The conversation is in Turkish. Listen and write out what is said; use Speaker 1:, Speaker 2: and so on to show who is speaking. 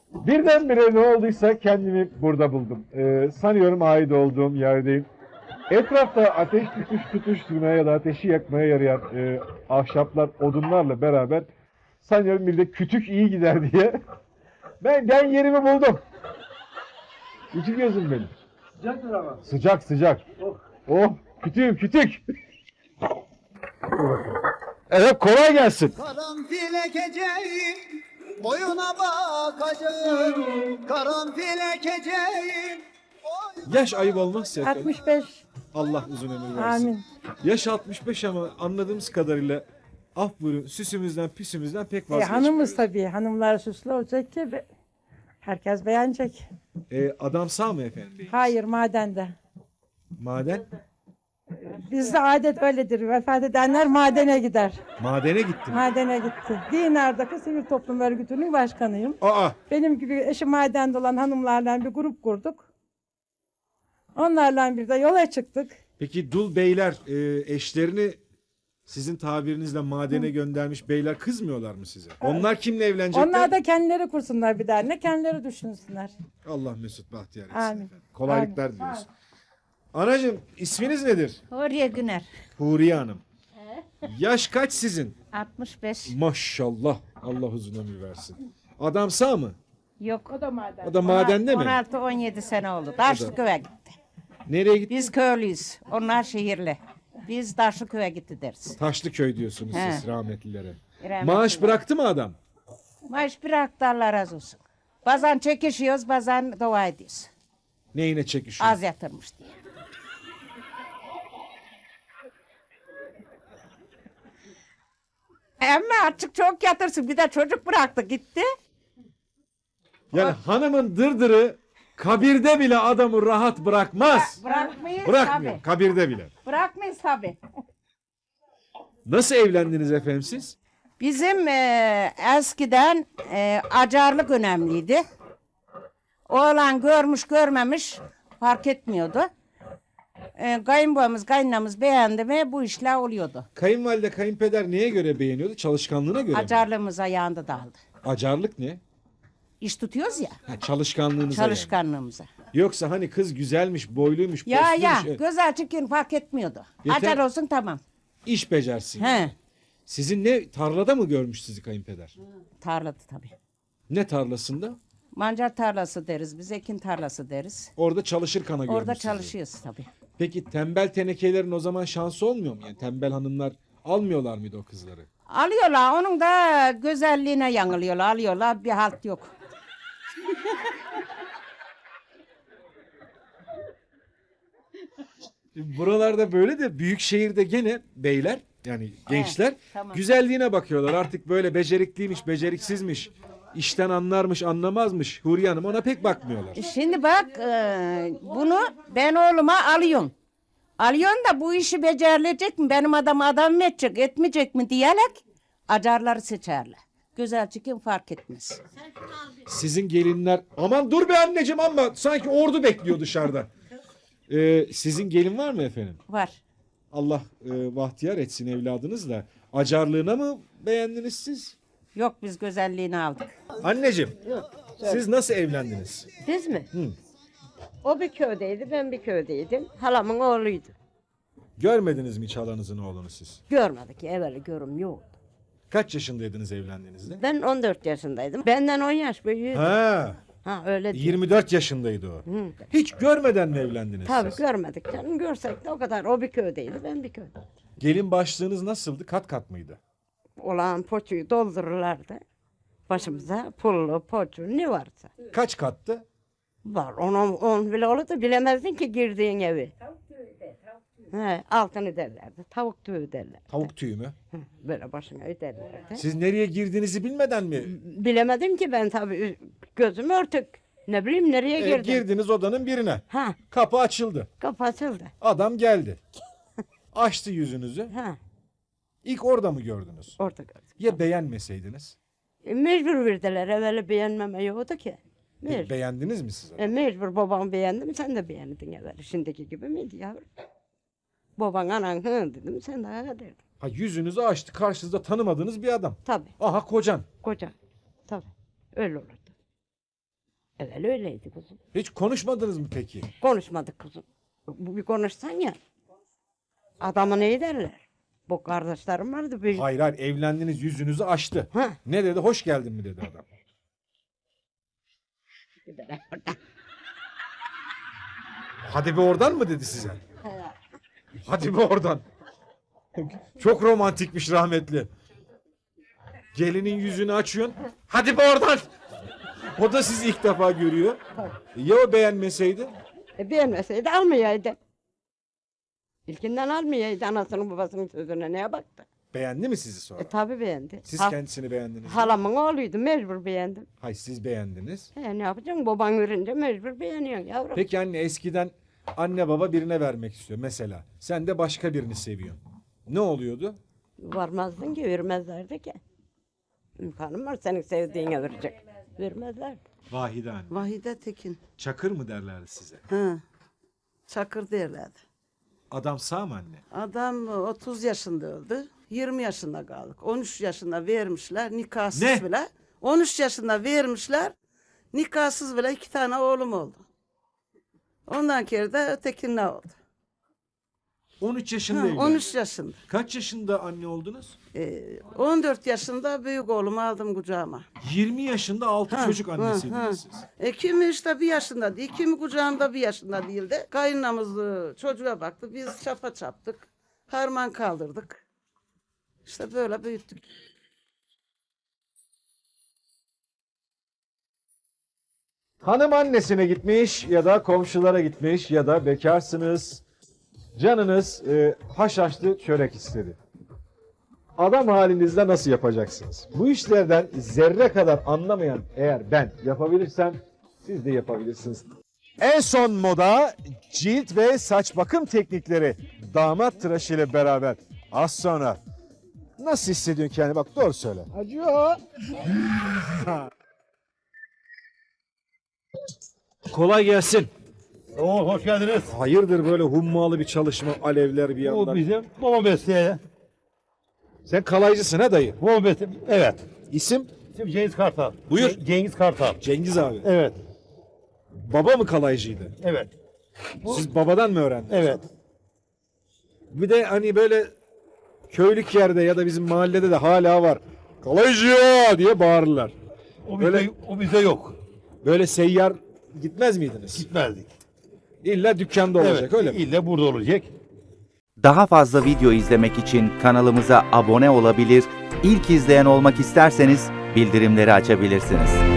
Speaker 1: Birdenbire ne olduysa kendimi burada buldum. Sanıyorum ait olduğum yerdeyim. Etrafta ateş tutuşturmaya ya da ateşi yakmaya yarayan ahşaplar, odunlarla beraber sanıyorum bir de kütük iyi gider diye ben yerimi buldum. İçi gözüm benim.
Speaker 2: Sıcaktır ama.
Speaker 1: Sıcak sıcak.
Speaker 2: Oh.
Speaker 1: Oh kütüğüm kütük. Evet kolay gelsin.
Speaker 3: Karanfil ekeceğim, boyuna bakacağım. Karanfil ekeceğim.
Speaker 4: Yaş ayıp olmazsa efendim.
Speaker 5: 65.
Speaker 4: Allah uzun ömür versin.
Speaker 5: Amin.
Speaker 4: Yaş 65 ama anladığımız kadarıyla af buyurun süsümüzden püsümüzden pek vazgeçmiyor.
Speaker 5: Hanımız tabii. Hanımlar süslü olacak ki herkes beğenecek.
Speaker 4: Adam sağ mı efendim?
Speaker 5: Hayır madende.
Speaker 4: Maden?
Speaker 5: Bizde adet öyledir. Vefat edenler madene gider.
Speaker 4: Madene gitti mi?
Speaker 5: Madene gitti. Dinar'daki Sivil Toplum Örgütü'nün başkanıyım.
Speaker 4: Aa!
Speaker 5: Benim gibi eşi madende olan hanımlarla bir grup kurduk. Onlarla bir de yola çıktık.
Speaker 4: Peki dul beyler eşlerini sizin tabirinizle madene göndermiş beyler kızmıyorlar mı size? Onlar kimle evlenecekler?
Speaker 5: Onlar da kendileri kursunlar bir dernek, kendileri düşünsünler.
Speaker 4: Allah mesut bahtiyar etsin
Speaker 5: Amin.
Speaker 4: efendim. Kolaylıklar diliyoruz. Anacığım isminiz nedir?
Speaker 6: Huriye Güner.
Speaker 4: Huriye Hanım. Yaş kaç sizin?
Speaker 6: 65.
Speaker 4: Maşallah. Allah uzun ömür versin. Adam sağ mı?
Speaker 6: Yok.
Speaker 5: O da maden.
Speaker 4: O da madende mi?
Speaker 6: 16-17 sene oldu. Taşlıköy'e gitti.
Speaker 4: Nereye gitti?
Speaker 6: Biz köylüyüz. Onlar şehirli. Biz Taşlıköy'e gitti deriz.
Speaker 4: Taşlıköy diyorsunuz
Speaker 6: He.
Speaker 4: siz rahmetlilere.
Speaker 6: Rahmetli.
Speaker 4: Maaş bıraktı mı adam?
Speaker 6: Maaş bıraktı Allah razı olsun. Bazen çekişiyoruz, bazen dua ediyoruz.
Speaker 4: Neyine çekişiyor?
Speaker 6: Az yatırmış diye. Ama artık çok yatırsın. Bir de çocuk bıraktı gitti.
Speaker 4: Yani hanımın dırdırı kabirde bile adamı rahat bırakmaz.
Speaker 6: Bırakmayız
Speaker 4: Bırakmıyor.
Speaker 6: tabii.
Speaker 4: Kabirde bile.
Speaker 6: Bırakmayız tabii.
Speaker 4: Nasıl evlendiniz efendim siz?
Speaker 6: Bizim eskiden acarlık önemliydi. Oğlan görmüş görmemiş fark etmiyordu. Kayınbabamız kayınlamız beğendi mi bu işler oluyordu.
Speaker 4: Kayınvalide kayınpeder neye göre beğeniyordu? Çalışkanlığına göre mi?
Speaker 6: Acarlığımız ayağında daldı.
Speaker 4: Acarlık ne?
Speaker 6: İş tutuyoruz ya
Speaker 4: Ha, çalışkanlığınıza yani.
Speaker 6: çalışkanlığımıza.
Speaker 4: Yoksa hani kız güzelmiş, boyluymuş,
Speaker 6: Ya
Speaker 4: posluymuş.
Speaker 6: güzel çirkin fark etmiyordu.
Speaker 4: Yeter-
Speaker 6: Acar olsun tamam.
Speaker 4: İş becersin.
Speaker 6: He,
Speaker 4: Sizin ne tarlada mı görmüş sizi kayınpeder?
Speaker 6: tarladı tabii.
Speaker 4: Ne tarlasında?
Speaker 6: Mancar tarlası deriz biz, ekin tarlası deriz.
Speaker 4: Orada çalışır kana görmüş
Speaker 6: Orada
Speaker 4: sizi.
Speaker 6: çalışıyoruz tabii.
Speaker 4: Peki tembel tenekelerin o zaman şansı olmuyor mu? Yani tembel hanımlar almıyorlar mıydı o kızları?
Speaker 6: Alıyorlar onun da güzelliğine yanılıyorlar, alıyorlar bir halt yok.
Speaker 4: Buralarda böyle de büyük şehirde gene beyler yani gençler
Speaker 6: tamam.
Speaker 4: güzelliğine bakıyorlar. Artık böyle becerikliymiş, beceriksizmiş, işten anlarmış, anlamazmış. Huriye Hanım ona pek bakmıyorlar.
Speaker 6: Şimdi bak bunu ben oğluma alıyorum. Alıyorsun da bu işi becerilecek mi? Benim adam mı edecek, etmeyecek mi diyerek acarları seçerler. Güzel çıkın fark etmez.
Speaker 4: Sizin gelinler aman dur be anneciğim ama sanki ordu bekliyor dışarıda. Sizin gelin var mı efendim?
Speaker 6: Var.
Speaker 4: Allah bahtiyar etsin evladınız da. Acarlığına mı beğendiniz siz?
Speaker 6: Yok biz güzelliğini aldık.
Speaker 4: Anneciğim siz nasıl evlendiniz?
Speaker 7: Biz mi? O bir köydeydi, ben bir köydeydim. Halamın oğluydu.
Speaker 4: Görmediniz mi hiç halanızın oğlunu siz?
Speaker 7: Görmedik, evveli görüm yoktu.
Speaker 4: Kaç yaşındaydınız evlendiğinizde?
Speaker 7: Ben 14 yaşındaydım. Benden 10 yaş büyüğüydü.
Speaker 4: Ha,
Speaker 7: Ha öyle değil.
Speaker 4: 24 yaşındaydı o.
Speaker 7: Hı.
Speaker 4: Hiç görmeden mi evlendiniz
Speaker 7: Tabii
Speaker 4: siz?
Speaker 7: görmedik canım. Görsek de o kadar. O bir köydeydi, ben bir köyde.
Speaker 4: Gelin başlığınız nasıldı? Kat kat mıydı?
Speaker 7: Olan poçuyu doldururlardı. Başımıza pullu, poçu ne varsa.
Speaker 4: Kaç kattı?
Speaker 7: Var. On bile olurdu bilemezdin ki girdiğin evi. He, altını derlerdi. Tavuk tüyü derler.
Speaker 4: Tavuk tüyü mü?
Speaker 7: Böyle başına öderlerdi.
Speaker 4: Siz nereye girdiğinizi bilmeden mi?
Speaker 7: Bilemedim ki ben tabii gözüm örtük. Ne bileyim nereye girdim.
Speaker 4: Girdiniz odanın birine.
Speaker 7: Ha,
Speaker 4: Kapı açıldı.
Speaker 7: kapı açıldı.
Speaker 4: Adam geldi. Açtı yüzünüzü.
Speaker 7: Ha,
Speaker 4: İlk orada mı gördünüz?
Speaker 7: orada gördüm.
Speaker 4: Ya beğenmeseydiniz?
Speaker 7: Mecbur verdiler. Evvela beğenmeme yoktu ki.
Speaker 4: Peki
Speaker 7: Mecbur.
Speaker 4: beğendiniz mi siz?
Speaker 7: Mecbur babam beğendi mi sen de beğendin evvela. Şimdiki gibi miydi yavrum? Baban anan hı dedim sen de ha derdin.
Speaker 4: Ha yüzünüzü açtı. Karşınızda tanımadığınız bir adam.
Speaker 7: Tabii
Speaker 4: Aha kocan.
Speaker 7: koca. Tabii öyle olurdu. Evet öyleydi kuzum.
Speaker 4: Hiç konuşmadınız mı peki?
Speaker 7: Konuşmadık kuzum. Bu bir konuşsan ya. Adama ne derler? Bu kardeşlerim vardı. Bir...
Speaker 4: Hayır hayır, evlendiniz, yüzünüzü açtı.
Speaker 7: Ha.
Speaker 4: Ne dedi? Hoş geldin mi dedi adam. Hadi bir oradan mı dedi size? Hadi bir oradan. Çok romantikmiş rahmetli. Gelinin yüzünü açıyorsun. Hadi bir oradan. O da sizi ilk defa görüyor. Ya o beğenmeseydi?
Speaker 7: Beğenmeseydi almayaydı. İlkinden almayaydı anasının babasının sözüne neye baktı?
Speaker 4: Beğendi mi sizi sonra?
Speaker 7: Tabi beğendi.
Speaker 4: Siz kendisini beğendiniz mi?
Speaker 7: Halamın oğluydu mecbur beğendim.
Speaker 4: Hayır, siz beğendiniz.
Speaker 7: Ne yapacaksın baban verince mecbur beğeniyorsun yavrum.
Speaker 4: Peki anne, eskiden anne baba birine vermek istiyor mesela. Sen de başka birini seviyorsun. Ne oluyordu?
Speaker 7: Varmazdın ki vermezlerdi ki. İmkanım var senin sevdiğine verecek. Vermezlerdi.
Speaker 4: Vahide anne.
Speaker 2: Vahide Tekin.
Speaker 4: Çakır mı derlerdi size?
Speaker 2: Ha. Çakır derlerdi.
Speaker 4: Adam sağ mı anne?
Speaker 2: Adam 30 yaşında öldü. 20 yaşında kaldık. 13 yaşında vermişler nikahsız
Speaker 4: Ne?
Speaker 2: bile. 13 yaşında vermişler nikahsız bile 2 tane oğlum oldu. Ondan kere de ötekine oldu.
Speaker 4: 13 yaşında
Speaker 2: Ha,
Speaker 4: evlendi.
Speaker 2: 13 yaşında.
Speaker 4: Kaç yaşında anne oldunuz?
Speaker 2: 14 yaşında büyük oğlumu aldım kucağıma.
Speaker 4: 20 yaşında 6
Speaker 2: Ha,
Speaker 4: çocuk
Speaker 2: ha,
Speaker 4: annesiydiniz
Speaker 2: ha.
Speaker 4: siz.
Speaker 2: Kimi işte 1 yaşında değil, kimi kucağımda 1 yaşında değildi. Kayınlamız çocuğa baktı, biz çapa çaptık, harman kaldırdık. İşte böyle büyüttük.
Speaker 1: Hanım annesine gitmiş ya da komşulara gitmiş ya da bekarsınız. Canınız haşhaşlı çörek istedi. Adam halinizde nasıl yapacaksınız? Bu işlerden zerre kadar anlamayan eğer ben yapabilirsem siz de yapabilirsiniz. En son moda cilt ve saç bakım teknikleri damat tıraşı ile beraber az sonra. Nasıl hissediyorsun kendini? Bak doğru söyle. Acıyor. Kolay gelsin.
Speaker 8: Oo, hoş geldiniz.
Speaker 1: Hayırdır böyle hummalı bir çalışma, alevler bir
Speaker 8: Bu
Speaker 1: yandan.
Speaker 8: bizim baba mesleği.
Speaker 1: Sen kalaycısın ha dayı.
Speaker 8: Baba mesleği. Evet.
Speaker 1: İsim?
Speaker 8: Şimdi Cengiz Kartal.
Speaker 1: Buyur.
Speaker 8: Cengiz Kartal.
Speaker 1: Cengiz abi.
Speaker 8: Evet.
Speaker 1: Baba mı kalaycıydı?
Speaker 8: Evet.
Speaker 1: Siz babadan mı öğrendiniz?
Speaker 8: Evet.
Speaker 1: Bir de hani böyle köylük yerde ya da bizim mahallede de hala var. Kalaycı diye bağırırlar.
Speaker 8: O bizde yok.
Speaker 1: Böyle seyyar gitmez miydiniz?
Speaker 8: Gitmezdik.
Speaker 1: İlla dükkanda olacak
Speaker 8: Evet.
Speaker 1: öyle mi?
Speaker 8: İlle burada olacak.
Speaker 9: Daha fazla video izlemek için kanalımıza abone olabilir, ilk izleyen olmak isterseniz bildirimleri açabilirsiniz.